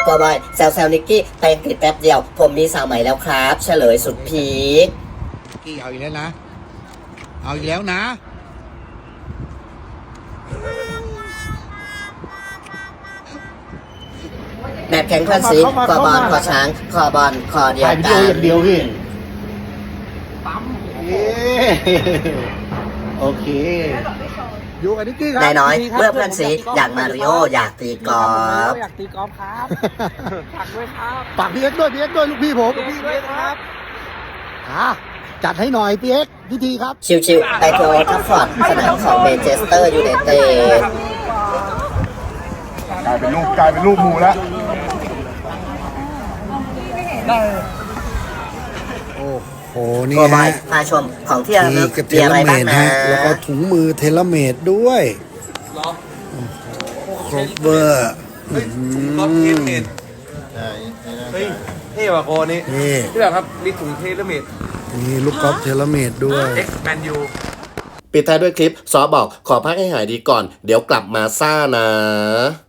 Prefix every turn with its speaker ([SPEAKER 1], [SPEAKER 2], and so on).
[SPEAKER 1] กบอยแซวนิกกี้ไปอังกฤษแป๊บเดียวผมมีสาวใหม่แล้วครับ เฉลยสุดพีค
[SPEAKER 2] กี้เอาอีกแล้วนะ เอาอีกแล้วนะ
[SPEAKER 1] แบบแข่งเพื่อนซีคอบอลคอช้างคอบอลคอเดียวกัน
[SPEAKER 2] อย่างเดียวพี่โอเคอยู่กับนิกกี้ครับ
[SPEAKER 1] นายน้อยเมื่อเพื่อนซีอยากมาริโออยากตีกอล์ฟ
[SPEAKER 3] อยากตีกอล์ฟครับฝากด้วยครับ
[SPEAKER 2] ฝากพี่เอ็กซ์ด้วยลูกพี่ผม
[SPEAKER 3] พี่ด้วยครับ
[SPEAKER 2] จัดให้หน่อยพี่เอ็กซ์พิธีครับ
[SPEAKER 1] ชิวๆไปที่โอทัฟฟอร์ดสนามของเมนเชสเตอร์ยูไนเต็ด
[SPEAKER 4] กลายเป็นรูปหมูแล้ว
[SPEAKER 2] โอ้โหนี่
[SPEAKER 1] โกบอ
[SPEAKER 2] ฮะ
[SPEAKER 1] ยพาชมของที่ระลึก
[SPEAKER 2] กับเท
[SPEAKER 1] มี
[SPEAKER 2] เล
[SPEAKER 1] อะไร
[SPEAKER 2] เม
[SPEAKER 1] บ้าง
[SPEAKER 2] ด
[SPEAKER 1] นะ
[SPEAKER 2] ฮะแล้วก็ถุงมือเทเลเมดด้วยครบเวอร์
[SPEAKER 5] ก็เทเลเมดเฮ้ยเท่ว่ะโคนี้
[SPEAKER 2] นี่
[SPEAKER 5] พี่แบบครับมีถุงเทเลเมด
[SPEAKER 2] นี่ลูกกอล์ฟเทเลเมดด้วย
[SPEAKER 5] X Man U
[SPEAKER 1] ปิดท้ายด้วยคลิปซอบอกขอพักให้หายดีก่อนเดี๋ยวกลับมาซ่านะ